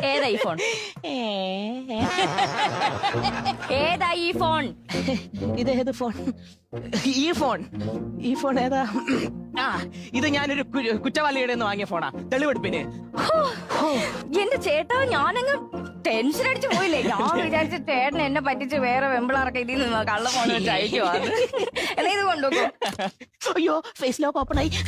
ഏതാ ഈ ഫോൺ? ഏതാ ഈ ഫോൺ? ഇതേത് ഫോൺ? ഈ ഫോൺ ഏതാ? ആ, ഇത് ഞാനൊരു കുറ്റവാളിയുടെ നിന്ന് വാങ്ങിയ ഫോണാ, തെളിവെടുപ്പിന്. എന്റെ ചേട്ടാ, ഞാനങ്ങ് ടെൻഷൻ അടിച്ചു പോയില്ലേ. ഞാൻ വിചാരിച്ച ചേട്ടൻ എന്നെ പറ്റിച്ച് വേറെ വെമ്പിളാറൊക്കെ ഇതിൽ നിന്ന് കള്ള ഫോൺ വെച്ച് അയക്കുവാ. എന്നാ ഇത് കൊണ്ടുപോകും. അയ്യോ, ഫേസ് ലോക്ക് ഓപ്പൺ ആയി.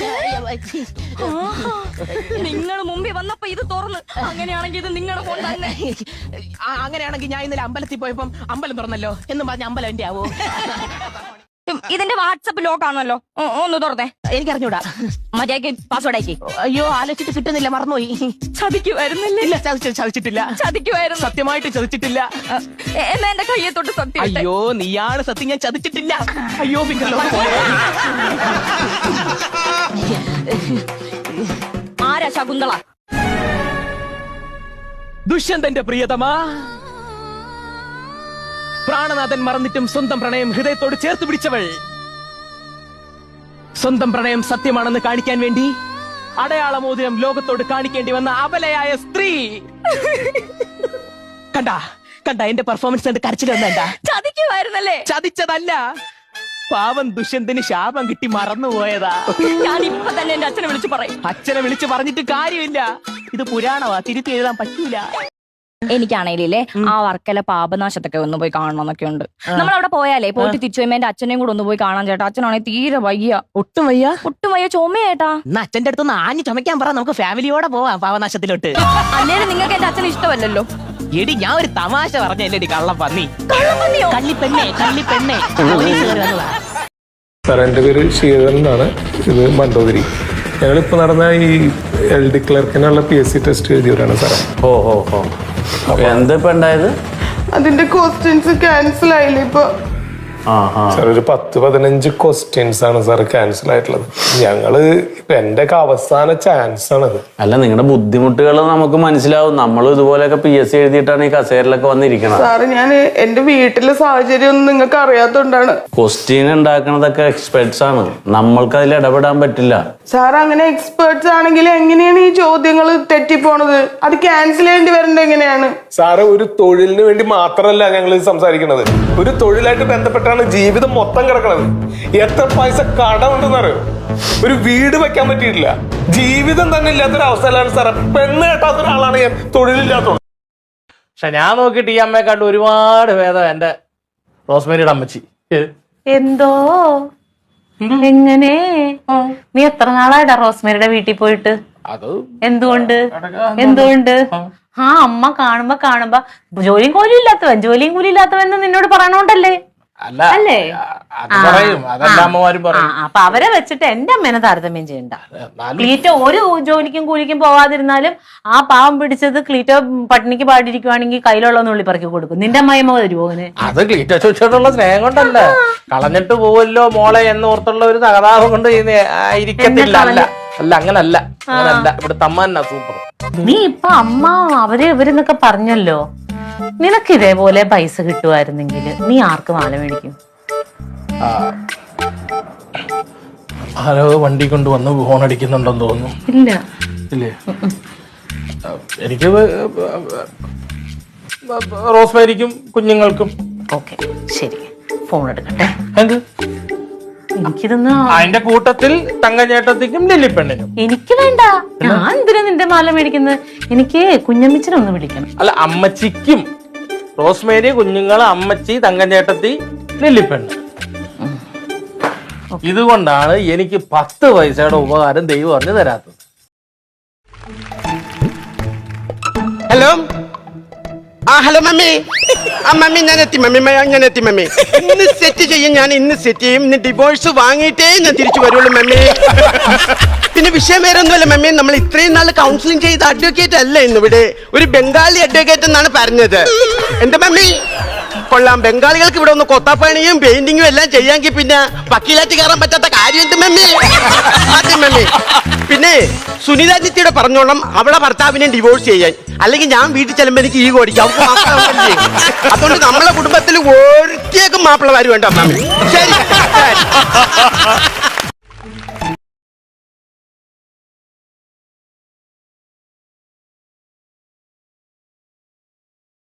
നിങ്ങൾ മുമ്പിൽ വന്നപ്പോ ഇത് തുറന്ന്. അങ്ങനെയാണെങ്കിൽ ഇത് നിങ്ങളുടെ ഫോൺ തന്നെ. അങ്ങനെയാണെങ്കിൽ ഞാൻ ഇന്നലെ അമ്പലത്തിൽ പോയപ്പം അമ്പലം തുറന്നല്ലോ എന്നും പറഞ്ഞ അമ്പലം എന്റെ ആവോ? ഇതിന്റെ വാട്സപ്പ് ലോക്ക് ആണല്ലോ, ഒന്ന് തുറന്നേ. എനിക്കറിഞ്ഞൂടാ. മര്യാദക്ക് പാസ്വേഡ് ആക്കി. അയ്യോ, ആലോചിച്ചിട്ട് കിട്ടുന്നില്ല, മറന്നുപോയി. ചതിക്കുമായിരുന്നില്ല? ഇല്ല, ചതിച്ചിട്ടില്ല. ചതിക്കുമായിരുന്നു. സത്യമായിട്ട് ചതിച്ചിട്ടില്ല. എന്നാ എന്റെ കയ്യെ തൊട്ട് സത്യം. അയ്യോ, നീയാണ് സത്യം, ഞാൻ ചതിച്ചിട്ടില്ല. അയ്യോ, പിന്നല്ലോ. ആരാ ശകുന്തള? ദുഷ്യന്തന്റെ പ്രിയതമാ, പ്രാണനാഥൻ മറന്നിട്ടും സ്വന്തം പ്രണയം ഹൃദയത്തോട് ചേർത്ത് പിടിച്ചവൾ. സ്വന്തം പ്രണയം സത്യമാണെന്ന് കാണിക്കാൻ വേണ്ടി അടയാളമോതിരം ലോകത്തോട് കാണിക്കേണ്ടി വന്ന അബലയായ സ്ത്രീ. കണ്ട എന്റെ പെർഫോമൻസ് കണ്ട് കരച്ചിൽ വന്നേണ്ട. ചതിക്കുമായിരുന്നല്ലേ? ചതിച്ചതല്ല, പാവം ദുഷ്യന്തന് ശാപം കിട്ടി മറന്നുപോയതാ. ഞാൻ ഇപ്പൊ തന്നെ എന്റെ അച്ഛനെ വിളിച്ചു പറയും. അച്ഛനെ വിളിച്ച് പറഞ്ഞിട്ട് കാര്യമില്ല, ഇത് പുരാണമാ, തിരുത്തി എഴുതാൻ പറ്റൂല. എനിക്കാണേലേ ആ വർക്കല പാപനാശത്തൊക്കെ ഒന്ന് പോയി കാണണം എന്നൊക്കെ ഉണ്ട്. നമ്മളവിടെ പോയാലേ പോയിട്ട് തിരിച്ചു വരുമ്പോ എന്റെ അച്ഛനെയും കൂടെ ഒന്ന് പോയി കാണാൻ ചേട്ടാ. അച്ഛനാണെങ്കിൽ തീരെ വയ്യ. ഒട്ടും വയ്യ ചുമയേട്ടാ. എന്നാ അച്ഛന്റെ അടുത്ത് ആഞ്ഞു ചുമക്കാൻ പറ, നമുക്ക് ഫാമിലിയോടെ പോവാം പാവനാശത്തിലോട്ട്. അല്ലേലും നിങ്ങൾക്ക് എന്റെ അച്ഛന് ഇഷ്ടമല്ലല്ലോ. എടി, ഞാൻ ഒരു തമാശ പറഞ്ഞല്ലേടി കള്ളം പന്നി. കള്ളിപ്പെണ്ണെ. സാർ, എൻ്റെ പേര് ശ്രീധരൻ എന്നാണ്. ഇത് മണ്ടോതിരി. ഞങ്ങളിപ്പോ നടന്ന ഈ LD ക്ലർക്കിനുള്ള PSC ടെസ്റ്റ് എഴുതിയവരാണ് സാറേ. എന്തിപ്പോ ഉണ്ടായത്? അതിന്റെ ക്വസ്റ്റ്യൻസ് ക്യാൻസൽ ആയില്ലേ ഇപ്പൊ? സാർ, ഒരു 10-15 ക്വസ്റ്റ്യൻസ് ആണ് സാർ ക്യാൻസൽ ആയിട്ടുള്ളത്. ഞങ്ങള് എന്റെ ഒക്കെ അവസാന ചാൻസ് ആണത്. അല്ല, നിങ്ങളുടെ ബുദ്ധിമുട്ടുകൾ നമുക്ക് മനസ്സിലാവും. നമ്മളും ഇതുപോലെയൊക്കെ PSC എഴുതിയിട്ടാണ് ഈ കസേരയിലൊക്കെ വന്നിരിക്കുന്നത്. സാറ്, ഞാൻ എന്റെ വീട്ടിലെ സാഹചര്യം ഒന്നും നിങ്ങൾക്ക് അറിയാത്തോണ്ടാണ്. ക്വസ്റ്റ്യൻ ഉണ്ടാക്കണതൊക്കെ എക്സ്പെർട്സ് ആണ്, നമ്മൾക്ക് അതിൽ ഇടപെടാൻ പറ്റില്ല. സാർ, അങ്ങനെ എക്സ്പേർട്സ് ആണെങ്കിൽ എങ്ങനെയാണ് ഈ ചോദ്യങ്ങൾ തെറ്റിപ്പോണത്? അത് ക്യാൻസൽ ചെയ്യേണ്ടി വരേണ്ടത് എങ്ങനെയാണ്? സാറ്, ഒരു തൊഴിലിന് വേണ്ടി മാത്രമല്ല ഞങ്ങൾ സംസാരിക്കുന്നത്. ഒരു തൊഴിലായിട്ട് ബന്ധപ്പെട്ടാണ് ജീവിതം മൊത്തം കിടക്കണത്. എത്ര പൈസ കടമുണ്ടെന്നറിയോ? ഒരു വീട് വെക്കാൻ പറ്റിയിട്ടില്ല. ജീവിതം തന്നെ ഇല്ലാത്തൊരു അവസ്ഥയിലാണ് സാറേ. പെണ്ണ് കേട്ടാത്ത ഒരാളാണ് ഞാൻ, തൊഴിലില്ലാത്തത്. പക്ഷെ ഞാൻ നോക്കിയിട്ട് ഈ അമ്മയെ കണ്ട് ഒരുപാട് ഭേദം എന്റെ റോസ്മേരിയുടെ അമ്മച്ചി. എന്തോ എങ്ങനെ? നീ എത്ര നാളായിട്ടാ റോസ്മേരിയുടെ വീട്ടിൽ പോയിട്ട്? അത് എന്തുകൊണ്ട് ആ അമ്മ കാണുമ്പോ ജോലിയും കൂലിയും ഇല്ലാത്തവൻ നിന്നോട് പറയണോണ്ടല്ലേ? അല്ലേ? അതെല്ലാ അമ്മമാരും പറയും. അപ്പൊ അവരെ വെച്ചിട്ട് എന്റെ അമ്മേനെ താരതമ്യം ചെയ്യണ്ട. ക്ലീറ്റോ ഒരു ജോലിക്കും കൂലിക്കും പോവാതിരുന്നാലും ആ പാവം പിടിച്ചത് ക്ലീറ്റോ പട്ടിണിക്ക് പാടിയിരിക്കുവാണെങ്കിൽ കയ്യിലുള്ള നുള്ളിപ്പറക്കി കൊടുക്കും. നിന്റെ അമ്മയമ്മ വരുമോ അങ്ങനെ? അത് ക്ലീറ്റോ ചോദിച്ചോണ്ടുള്ള സ്നേഹം കൊണ്ടല്ല, കളഞ്ഞിട്ട് പോവല്ലോ മോളെ എന്നോർത്തുള്ള ഒരു തകതാപം കൊണ്ട് ഇരിക്കത്തില്ല. അല്ല, അങ്ങനല്ല. ഇവിടുത്തെ അമ്മ തന്നെ സൂപ്പർ. നീ ഇപ്പൊ അമ്മ ഇവരെന്നൊക്കെ പറഞ്ഞല്ലോ. നിനക്ക് ഇതേപോലെ പൈസ കിട്ടുമായിരുന്നെങ്കിൽ നീ ആർക്ക് മാല മേടിക്കും? ആരോ വണ്ടി കൊണ്ട് വന്ന് ഫോൺ അടിക്കുന്നുണ്ടെന്ന് തോന്നുന്നു. ഇല്ലേ? എനിക്ക് റോസ്മേരിക്കും കുഞ്ഞുങ്ങൾക്കും. ഓക്കെ, ശരി, ഫോൺ എടുക്കട്ടെ. എന്ത്? എനിക്കിതൊന്ന് അതിന്റെ കൂട്ടത്തിൽ തങ്കച്ചേട്ടത്തിക്കും ലില്ലിപ്പെണ്ണിനും. എനിക്ക് വേണ്ട. ഞാൻ എന്തിനാ നിന്റെ മാല മേടിക്കുന്നത്? എനിക്ക് കുഞ്ഞമ്മച്ചിനൊന്ന് വിളിക്കണം. അല്ല, അമ്മച്ചിക്കും. റോസ്മേരി, കുഞ്ഞുങ്ങൾ, അമ്മച്ചി, തങ്കച്ചേട്ടത്തി, ലില്ലിപ്പെണ്ണ്. ഇതുകൊണ്ടാണ് എനിക്ക് 10 പൈസയുടെ ഉപകാരം ദൈവം അറിഞ്ഞു തരാത്തത്. Hello, hello mummy. മമ്മി, ഞാൻ എത്തി മമ്മി. ഇന്ന് സെറ്റ് ചെയ്യും, ഇന്ന് ഡിവോഴ്സ് വാങ്ങിയിട്ടേ ഞാൻ തിരിച്ചു വരുള്ളൂ മമ്മി. പിന്നെ വിഷയം വേറെ ഒന്നുമല്ല മമ്മി, നമ്മൾ ഇത്രയും നാൾ കൗൺസിലിംഗ് ചെയ്ത അഡ്വക്കേറ്റ് അല്ല ഇന്നിവിടെ, ഒരു ബംഗാളി അഡ്വക്കേറ്റ് എന്നാണ് പറഞ്ഞത്. എന്താ മമ്മി? കൊള്ളാം. ബംഗാളികൾക്ക് ഇവിടെ ഒന്ന് കൊത്താപ്പണിയും പെയിന്റിങ്ങും എല്ലാം ചെയ്യാമെങ്കിൽ പിന്നെ വക്കീലാറ്റ് കയറാൻ പറ്റാത്ത കാര്യം എന്ത് മമ്മി? അതെ മമ്മി. പിന്നെ സുനിത ജിത്തിയുടെ പറഞ്ഞോളം അവളെ ഭർത്താവിനെ ഡിവോഴ്സ് ചെയ്യാൻ, അല്ലെങ്കിൽ ഞാൻ വീട്ടിൽ ചെല്ലുമ്പോൾ എനിക്ക് ഈ ഓടിക്കും. അതുകൊണ്ട് നമ്മളെ കുടുംബത്തിൽ ഒരിക്കലും മാപ്പിളമാര് വേണ്ട മമ്മി. ശരി.